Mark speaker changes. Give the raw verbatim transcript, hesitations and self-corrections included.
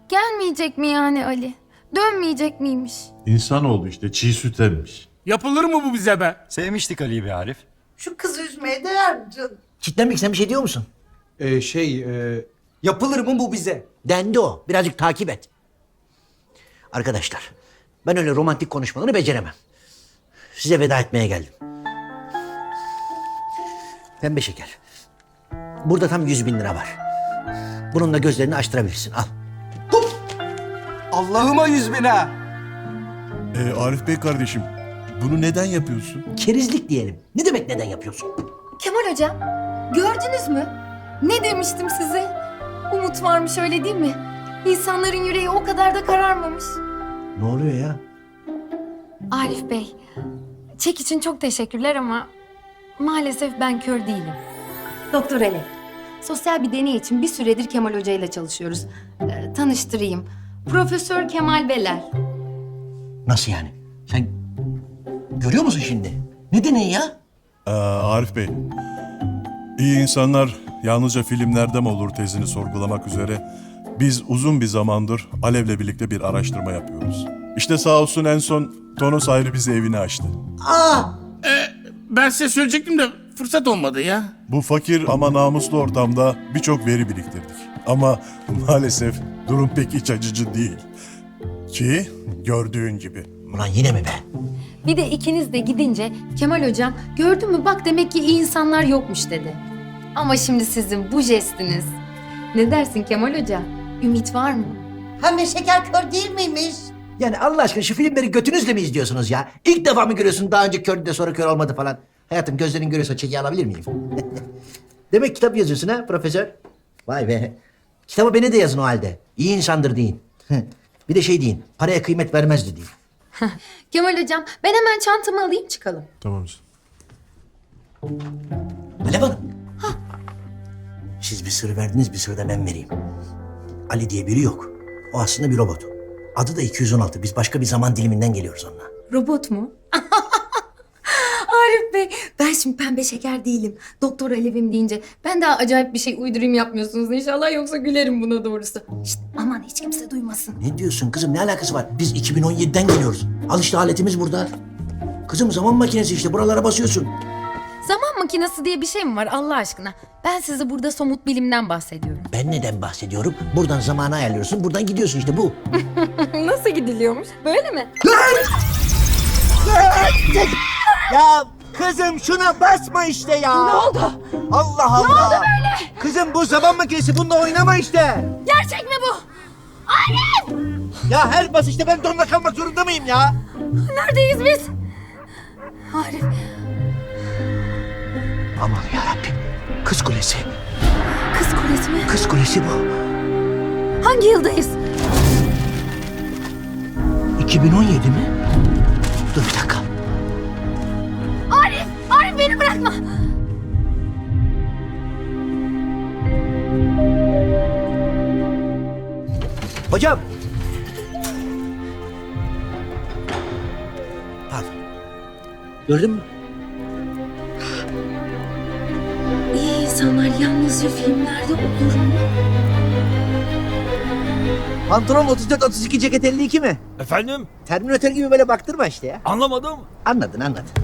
Speaker 1: Gelmeyecek mi yani Ali? Dönmeyecek miymiş?
Speaker 2: İnsanoğlu işte çiğ süt emmiş.
Speaker 3: Yapılır mı bu bize be?
Speaker 4: Sevmiştik Ali'yi be Arif.
Speaker 5: Şu kızı üzmeye değer mi canım?
Speaker 6: Kitlenmek sen bir şey diyor musun?
Speaker 7: Ee, şey, e, yapılır mı bu bize?
Speaker 6: Dendi o. Birazcık takip et. Arkadaşlar, ben öyle romantik konuşmaları beceremem. Size veda etmeye geldim. Pembe şeker. Burada tam yüz bin lira var. Bununla gözlerini açtırabilirsin. Al.
Speaker 7: Allah'ıma yüz bin ha.
Speaker 8: Ee, Arif Bey kardeşim, bunu neden yapıyorsun?
Speaker 6: Kerizlik diyelim. Ne demek neden yapıyorsun?
Speaker 1: Kemal hocam, gördünüz mü? Ne demiştim size? Umut varmış öyle değil mi? İnsanların yüreği o kadar da kararmamış.
Speaker 6: Ne oluyor ya?
Speaker 1: Arif Bey, çek için çok teşekkürler ama maalesef ben kör değilim.
Speaker 9: Doktor Ali, sosyal bir deney için bir süredir Kemal Hoca ile çalışıyoruz. Ee, tanıştırayım. Profesör Kemal Beler.
Speaker 6: Nasıl yani? Sen görüyor musun şimdi? Ne deneyi ya?
Speaker 8: Ee, Arif Bey, iyi insanlar yalnızca filmlerde mi olur tezini sorgulamak üzere biz uzun bir zamandır Alev'le birlikte bir araştırma yapıyoruz. İşte sağ olsun en son Tonos ayrı bize evini açtı.
Speaker 6: Aa!
Speaker 3: Ben size söyleyecektim de fırsat olmadı ya.
Speaker 8: Bu fakir ama namuslu ortamda birçok veri biriktirdik. Ama maalesef durum pek iç açıcı değil. Ki gördüğün gibi.
Speaker 6: Ulan yine mi be?
Speaker 1: Bir de ikiniz de gidince Kemal hocam gördün mü bak demek ki iyi insanlar yokmuş dedi. Ama şimdi sizin bu jestiniz. Ne dersin Kemal hoca? Ümit var mı?
Speaker 5: Pembe şeker kör değil miymiş?
Speaker 6: Yani Allah aşkına şu filmleri götünüzle mi izliyorsunuz ya? İlk defa mı görüyorsun daha önce kördü de sonra kör olmadı falan? Hayatım gözlerin görüyorsa çeki alabilir miyim? Demek kitap yazıyorsun ha profesör? Vay be. Kitabı beni de yazın o halde. İyi insandır deyin. Bir de şey deyin. Paraya kıymet vermezdi deyin.
Speaker 1: Kemal hocam ben hemen çantamı alayım çıkalım.
Speaker 8: Tamam.
Speaker 6: Alev Hanım. Siz bir sır verdiniz, bir sır da ben vereyim. Ali diye biri yok. O aslında bir robot. Adı da iki yüz on altı. Biz başka bir zaman diliminden geliyoruz onunla.
Speaker 9: Robot mu? Arif Bey, ben şimdi pembe şeker değilim. Doktor Alev'im deyince
Speaker 1: Ben daha acayip bir şey uydurayım yapmıyorsunuz inşallah yoksa gülerim buna doğrusu.
Speaker 9: Şşt, aman hiç kimse duymasın.
Speaker 6: Ne diyorsun kızım? Ne alakası var? Biz iki bin on yediden geliyoruz. Al işte aletimiz burada. Kızım zaman makinesi işte. Buralara basıyorsun.
Speaker 1: Zaman makinesi diye bir şey mi var Allah aşkına? Ben size burada somut bilimden bahsediyorum.
Speaker 6: Ben neden bahsediyorum? Buradan zamanı ayarlıyorsun. Buradan gidiyorsun işte bu.
Speaker 1: Nasıl gidiliyormuş? Böyle mi?
Speaker 7: Ya kızım şuna basma işte ya. Ne oldu? Allah Allah. Ne oldu böyle? Kızım bu zaman makinesi bununla oynama işte.
Speaker 1: Gerçek mi bu?
Speaker 7: Ya her basışta ben donla kalmak zorunda mıyım ya?
Speaker 1: Neredeyiz biz? Arif.
Speaker 6: Aman yarabbim. Kız kulesi.
Speaker 1: Kız kulesi mi?
Speaker 6: Kız kulesi bu.
Speaker 1: Hangi yıldayız?
Speaker 6: iki bin on yedi mi? Dur bir dakika.
Speaker 1: Arif! Arif beni bırakma!
Speaker 6: Hocam. Pardon. Gördün mü?
Speaker 9: İyi insanlar yalnızca filmlerde olur mu?
Speaker 7: Pantolon otuz dört otuz iki ceket elli iki mi?
Speaker 4: Efendim?
Speaker 7: Terminatör gibi böyle baktırma işte ya.
Speaker 4: Anlamadım.
Speaker 6: Anladın anladın.